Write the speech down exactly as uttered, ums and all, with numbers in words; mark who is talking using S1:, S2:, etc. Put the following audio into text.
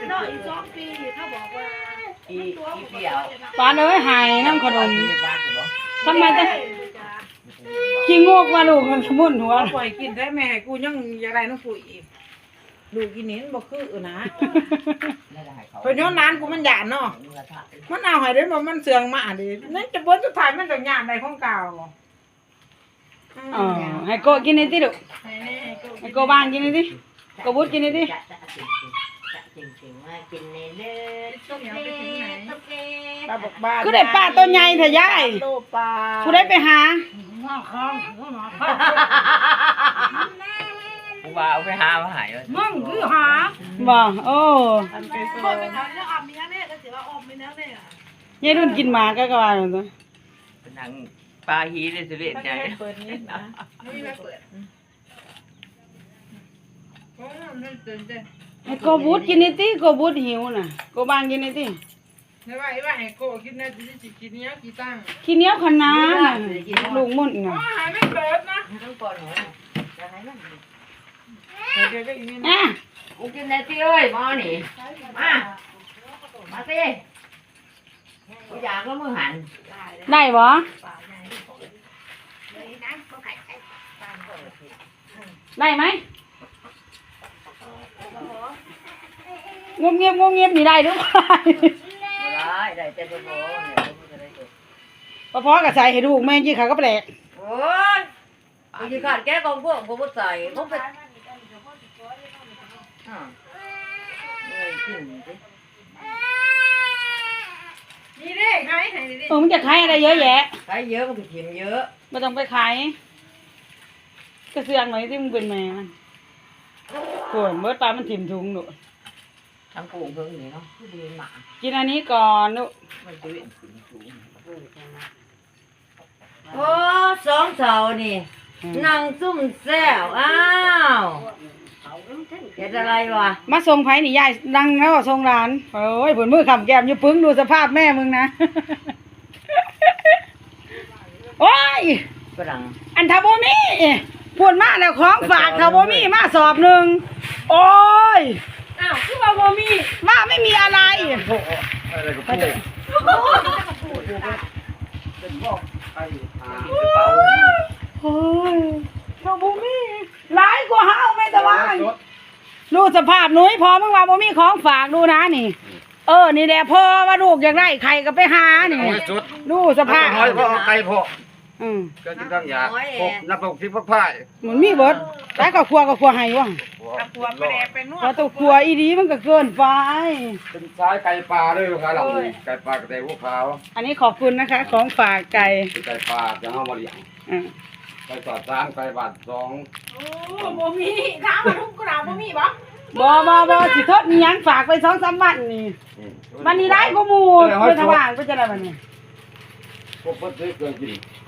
S1: เนาะอีกสองปีเขาบอกว่าอีอีเดียว
S2: ปานเอ้ยหายน้ำขนมทำไมจะขี้งกว่าลูกมันสมุนหัว
S3: ปล่อยกินได้แม่ให้กูยังอยากได้น้องกูอีกลูกกินนี้มันบ่คือนะเพราะย้อนร้านกูมันหยาดเนาะมันเอาให้ได้บ่มันเสื่องมาดินั่นจะบ่สุดท้ายมันต้องหยาดได้ของเก่า
S2: อ๋อให้โกกินนี่ติลูกให้โกบ้างกินนี่ติโกบุดกินนี่ติคือได้ปลาตัวใหญ่เถอะยายผู้ได้ไปหา
S1: กูว่าเอาไปหามาหายเลย
S3: มึงคือหา
S2: บ่โอ้
S3: คนไปทำแล้วออมมีแน่ก็สิว่าออมมีแน่เนี่ย
S2: ยายรุ่นกินหมาก็ก็ว่าตัว
S1: เป็นหนังปลาฮีเลยสิเบ็ดใจ
S3: เปิดนี้นะไม่มีเปิดโอ้ยมันตื่นเต้น
S2: ให้โกบุดกินนี่ติโกบุดหิวน่ะโกบ้างกินนี่ติ
S3: ไม่ว่าไอ้ว่าไอ้โก้คิดนะจะจิกินเนี้ยกี่ตั้ง
S2: ขี้เหนียวขนาดน่ะลูกมุ่นน่ะ
S3: อ๋อหายไม่เปิดนะ
S1: ต้องปอนหนูจะให้มัน
S3: เดี๋ยวก็อีกนิด
S2: อ่ะ
S1: กูกินได้ที่เอ้ยมอนี่มามาสิกูอยากแล้วมือหัน
S2: ได้บ่ได้ไหมงมเงียบงมเงียบนี่ได้หรือเปล่า
S1: ได้ได้แต่บ่บ่เนี่ย
S2: พอพอกับใส่ให้ลูกแม่ยี่ขาก็แปลก
S1: โอ้ยกูจะขาดแก้กองพวกกูบ่ใส่มึงไปอ่าเอ้ยกินสิ
S3: นี่ดิใครให้ดิ
S2: เออมันจะขายอะไรเยอะแยะ
S1: ใช้เยอะมันก็กินเยอะ
S2: ไม่ต้องไปขายกระเสืองหน่อยที่มึงเป็นแม่มันโกรธเบิดปลามันถิ่มถุงหนู
S1: ทั้งกูเพิ่งนี่เนาะคือดีหมา
S2: กินอันนี้ก่อนลูก
S1: มันจะเป็นสูงสูงโอ้สองเสานี่นั่งซุ่มแซวอ้าวเฮ็ดอะไรวะ
S2: มาส่งไผ่นี่ยายดังแล้วส่งร้านโอ้ยผลมือขำแก้มอยู่ปึ้งดูสภาพแม่มึงนะ โอ้ย
S1: ฝรั่ง
S2: อันทาโบมี่พูดมาแล้วของฝากทาโบมี่มาสอบหนึ่งโอ้ย
S3: อ้าวคือว่าบ่มี
S2: ว่าไม่มีอะไร
S4: อะไรก็พูดเป็นพวกไอ้หา
S2: โอ้ยทาโบมี่ร้ายกว่าห้าวแม่ตะวันดูสภาพหนุ่ยพอมึงว่าโบมี่ของฝากดูนะนี่ เออนี่แหละพ่อว่าลูกอยากได้ใครก็ไปหานี่
S4: สุด
S2: ดูสภาพ
S4: น้อยเพราะไก่พอ
S2: อืม
S4: ก็จะต้องอยากพบนับพกที่พักพ่าย
S2: เหมือนมีเบิดแต่ก็ครัวก็ครัวให้ว่ะ
S3: ตะกัวไม่ได้เป็นนว
S2: พอ
S3: ด
S2: ตัวครัวอีดีมันก็เกินไป
S4: เป็นสายไก่ปลาด้วยครับหลังไก่ปลากระเตงพวกขาว
S2: อันนี้ขอบคุณนะคะ ของฝากไก่
S4: เป็นไก่ปลาจะเอามาเลี้ยง
S2: อ่า
S4: ไก่สอดสามไก่บาทสอง
S3: โอ้บ่มีถามมาทุกกระดาษบ่มีบ่
S2: บอบอบอสิทดมีหยังฝากไปสองสามวันนี่วันนี้ได้ก็มูไปทว่างไปจะได้วันนี้
S4: พวกเพิ่นซื้อเกินกิน